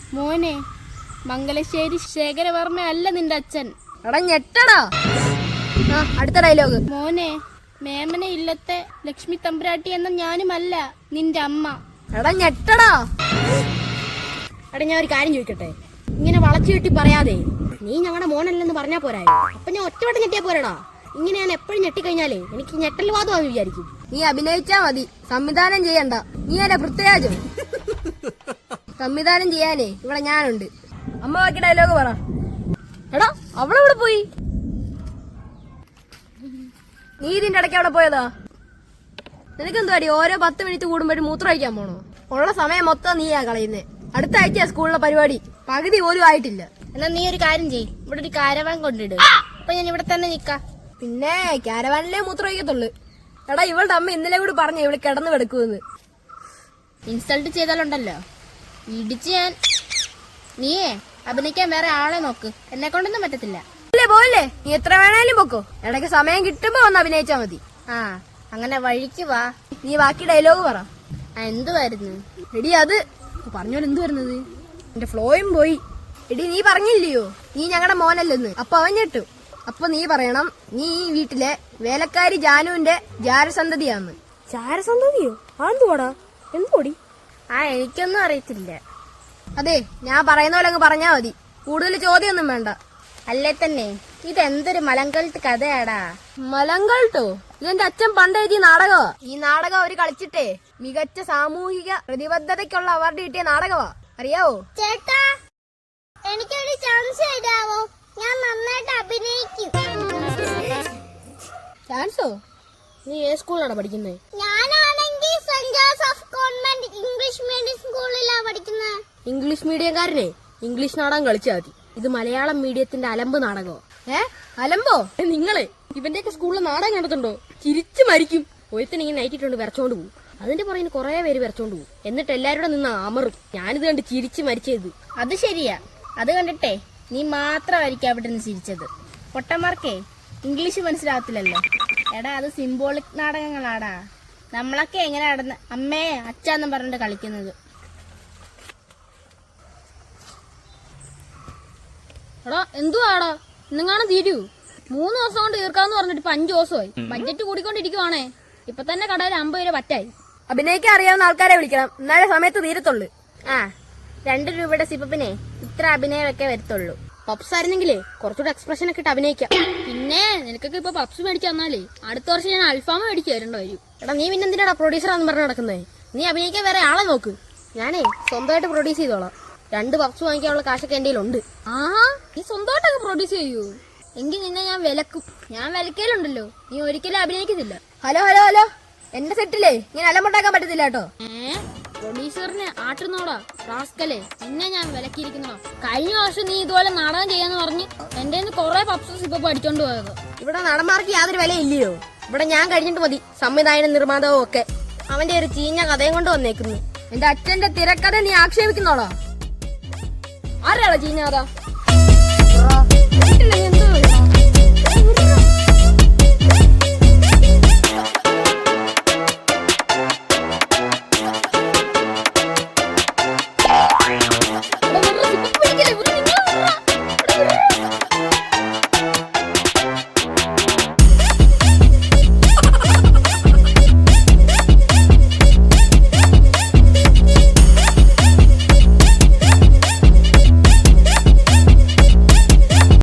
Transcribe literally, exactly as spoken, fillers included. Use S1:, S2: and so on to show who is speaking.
S1: മോനെ, മംഗലശ്ശേരി ശേഖരവർമ്മ അല്ല നിന്റെ അച്ഛൻ.
S2: എടാ ഞെട്ടടാ. ആ അടുത്ത ഡയലോഗ്.
S1: മോനെ, മേമനെ ഇല്ലത്തെ ലക്ഷ്മി തമ്പുരാട്ടി എന്ന ഞാനുമല്ല നിന്റെ അമ്മ.
S2: എടാ ഞെട്ടടാ.
S3: എടാ ഞാൻ ഒരു കാര്യം ചോദിക്കട്ടെ, ഇങ്ങനെ വളച്ചു കെട്ടി പറയാതെ നീ ഞങ്ങളുടെ മോനല്ലെന്ന് പറഞ്ഞാ പോരായോ? അപ്പൊ ഞാൻ ഒറ്റവട്ടം ഞെട്ടിയാ പോരടാ. ഇങ്ങനെ ഞാൻ എപ്പോഴും ഞെട്ടിക്കഴിഞ്ഞാലേ എനിക്ക് ഞെട്ടൽ വാദമാണെന്ന് വിചാരിക്കും.
S2: നീ അഭിനയിച്ചാ മതി, സംവിധാനം ചെയ്യണ്ട. നീ അല്ല പൃഥ്വിരാജോ? സംവിധാനം ചെയ്യാനേ ഇവിടെ ഞാനുണ്ട്. അമ്മ ബാക്കി ഡയലോഗ് പറ. എടാ അവളെവിടെ പോയി? നീ ഇതിന്റെ ഇടയ്ക്ക് അവിടെ പോയതാ? നിനക്കെന്തുവാടി ഓരോ പത്ത് മിനിറ്റ് കൂടുമ്പോഴും മൂത്രം ഒഴിക്കാൻ പോണോ? ഉള്ള സമയം മൊത്തം നീയാ കളയുന്നേ. അടുത്ത ആഴ്ച സ്കൂളിലെ പരിപാടി പകുതി പോലും ആയിട്ടില്ല.
S1: എന്നാ നീ ഒരു കാര്യം ചെയ്യ്, ഇവിടെ ഒരു കാരവാൻ കൊണ്ടിട്. അപ്പൊ ഞാൻ ഇവിടെ തന്നെ നിക്കാം.
S2: പിന്നെ കാരവാനിലേ മൂത്രം ഒഴിക്കത്തുള്ളു. എടാ ഇവളുടെ അമ്മ ഇന്നലെ കൂടി പറഞ്ഞു ഇവിടെ കിടന്നു കിടക്കുമെന്ന്.
S1: ഇൻസൾട്ട് ചെയ്താലുണ്ടല്ലോ ഇടിച്ച് ഞാൻ. നീയേ അഭിനയിക്കാൻ വേറെ ആളെ നോക്ക്, എന്നെ കൊണ്ടൊന്നും പറ്റത്തില്ല.
S2: അല്ലേ പോയില്ലേ, നീ എത്ര വേണേലും പൊക്കോ. ഇടയ്ക്ക് സമയം കിട്ടുമ്പോ വന്ന് അഭിനയിച്ചാ മതി.
S1: ആ അങ്ങനെ വഴിക്ക് വാ.
S2: നീ ബാക്കി ഡയലോഗ് പറ.
S1: ആ എന്തുവായിരുന്നു?
S2: എടി അത് പറഞ്ഞോലെ എന്ത് വരുന്നത്, എന്റെ ഫ്ലോയും പോയി. എടി നീ പറഞ്ഞില്ലയോ നീ ഞങ്ങളുടെ മോനല്ലെന്ന്? അപ്പൊ അവൻ ഞെട്ടു. അപ്പൊ നീ പറയണം നീ ഈ വീട്ടിലെ വേലക്കാരി ജാനുവിന്റെ ജാരസന്തതിയാന്ന്.
S3: ചാരസന്തതിയോ? അതെന്തുവാടാ? എന്തുകൂടി?
S1: ആ എനിക്കൊന്നും അറിയത്തില്ല.
S2: അതെ ഞാൻ പറയുന്ന പോലെ അങ്ങ് പറഞ്ഞാ മതി, കൂടുതൽ ചോദ്യമൊന്നും വേണ്ട.
S1: അല്ലേ തന്നെ ഇതെന്തൊരു മലങ്കൾട്ട് കഥയാടാ.
S2: മലങ്കൾട്ടോ? ഇതെന്റെ അച്ഛൻ പണ്ട് എഴുതിയ നാടകമാ. ഈ നാടകം അവര് കളിച്ചിട്ടേ മികച്ച സാമൂഹിക പ്രതിബദ്ധതയ്ക്കുള്ള അവാർഡ് കിട്ടിയ നാടകമാ. അറിയാവോ?
S4: ചേട്ടാ, എനിക്കൊരു ചാൻസ് തരാവോ? ഞാൻ നന്നായിട്ട് അഭിനയിക്കും.
S2: ചാൻസോ?
S3: നീ ഏത് സ്കൂളിലാണ് പഠിക്കുന്നത്?
S4: ഞാനാണെങ്കിൽ saint Joseph convent English medium സ്കൂളിലാണ് പഠിക്കുന്നത്.
S3: ഇംഗ്ലീഷ് മീഡിയംകാരനെ ഇംഗ്ലീഷ് നാടകം കളിച്ചാൽ മതി. ഇത് മലയാളം മീഡിയത്തിന്റെ അലമ്പ് നാടകമോ?
S2: ഏ അലമ്പോ?
S3: നിങ്ങളെ ഇവന്റെയൊക്കെ സ്കൂളിൽ നാടകം കണ്ടിട്ടുണ്ടോ? ചിരിച്ചു മരിക്കും. ഒരുത്തൻ ഇങ്ങനെ നൈറ്റിട്ടുണ്ട് വിറച്ചോണ്ട് പോകും. അതിന്റെ പുറകിന് കുറെ പേര് വിറച്ചോണ്ട് പോകും. എന്നിട്ട് എല്ലാവരുടെ നിന്ന് അമറും. ഞാനിത് കണ്ട് ചിരിച്ചു മരിച്ചത്.
S1: അത് ശരിയാ, അത് കണ്ടിട്ടേ നീ മാത്രമായിരിക്കും അവിടെ നിന്ന് ചിരിച്ചത്. പൊട്ടന്മാർക്കേ ഇംഗ്ലീഷ് മനസ്സിലാവത്തില്ലല്ലോ. എടാ അത് സിംബോളിക് നാടകങ്ങളാടാ. നമ്മളൊക്കെ എങ്ങനെ നടന്ന് അമ്മേ അച്ഛാന്നും പറഞ്ഞിട്ട് കളിക്കുന്നത്.
S5: എടാ എന്തുവാടാ ഇന്നെങ്ങാനും തീരൂ? മൂന്ന് ദിവസം കൊണ്ട് തീർക്കാന്ന് പറഞ്ഞിട്ട് ഇപ്പൊ അഞ്ചു ദിവസമായി. ബഡ്ജറ്റ് കൂടിക്കൊണ്ടിരിക്കുവാണേ. ഇപ്പൊ തന്നെ കടയിൽ അമ്പത് രൂപ പറ്റായി.
S2: അഭിനയിക്കാൻ അറിയാവുന്ന ആൾക്കാരെ വിളിക്കണം, എന്നാലേ സമയത്ത് തീരത്തുള്ളു.
S1: ആ രണ്ട് രൂപയുടെ സിപ്പപ്പിനെ ഇത്ര അഭിനയമൊക്കെ വരത്തുള്ളൂ.
S3: പപ്സ് ആയിരുന്നെങ്കിലേ കുറച്ചുകൂടെ എക്സ്പ്രഷൻ ഒക്കെ ഇട്ട് അഭിനയിക്കാം.
S5: പിന്നെ നിനക്കൊക്കെ ഇപ്പൊ പപ്സ് മേടിച്ചു തന്നാലേ അടുത്ത വർഷം ഞാൻ അൽഫാമ മേടിച്ചു തരേണ്ട വരും.
S3: എടാ നീ പിന്നെ എന്തിനാടാ പ്രൊഡ്യൂസറാന്ന് പറഞ്ഞ് നടക്കുന്നേ? നീ അഭിനയിക്കാൻ വേറെ ആളെ നോക്ക്. ഞാനേ സ്വന്തമായിട്ട് പ്രൊഡ്യൂസ് ചെയ്തോളാം. രണ്ട് പപ്സ് വാങ്ങിക്കാനുള്ള കാശൊക്കെ എന്റെ ഉണ്ട്.
S5: ആഹാ, നീ സ്വന്തമായിട്ടൊക്കെ പ്രൊഡ്യൂസ് ചെയ്യൂ? എങ്കിൽ നിന്നെ ഞാൻ വിലക്കും. ഞാൻ വിലക്കലുണ്ടല്ലോ, നീ ഒരിക്കലും അഭിനയിക്കുന്നില്ല.
S2: ഹലോ ഹലോ ഹലോ എന്റെ സെറ്റിലേ ഇങ്ങനെ അലമ്പുണ്ടാക്കാൻ പറ്റത്തില്ല കേട്ടോ.
S5: ഏ പ്രൊഡ്യൂസറിനെ ആട്ടുന്നോടാ റാസ്കലേ, നിന്നെ ഞാൻ വിലക്കിയിരിക്കുന്നോ? കഴിഞ്ഞ വർഷം നീ ഇതുപോലെ നാടകം ചെയ്യാന്ന് പറഞ്ഞ് എന്റെ നിന്ന് കൊറേ പപ്സസ് ഇപ്പൊ പഠിച്ചോണ്ട് പോയത്.
S3: ഇവിടെ നടന്മാർക്ക് യാതൊരു വില ഇല്ലയോ? ഇവിടെ ഞാൻ കഴിഞ്ഞിട്ട് മതി സംവിധായകനും നിർമ്മാതാവും ഒക്കെ. അവന്റെ ഒരു ചീഞ്ഞ കഥയും കൊണ്ട് വന്നേക്കുന്നു.
S2: എന്റെ അച്ഛന്റെ തിരക്കഥ നീ ആക്ഷേപിക്കുന്നോളോ?
S3: ആരാടാ ചീഞ്ഞ കഥ?
S2: എന്തോ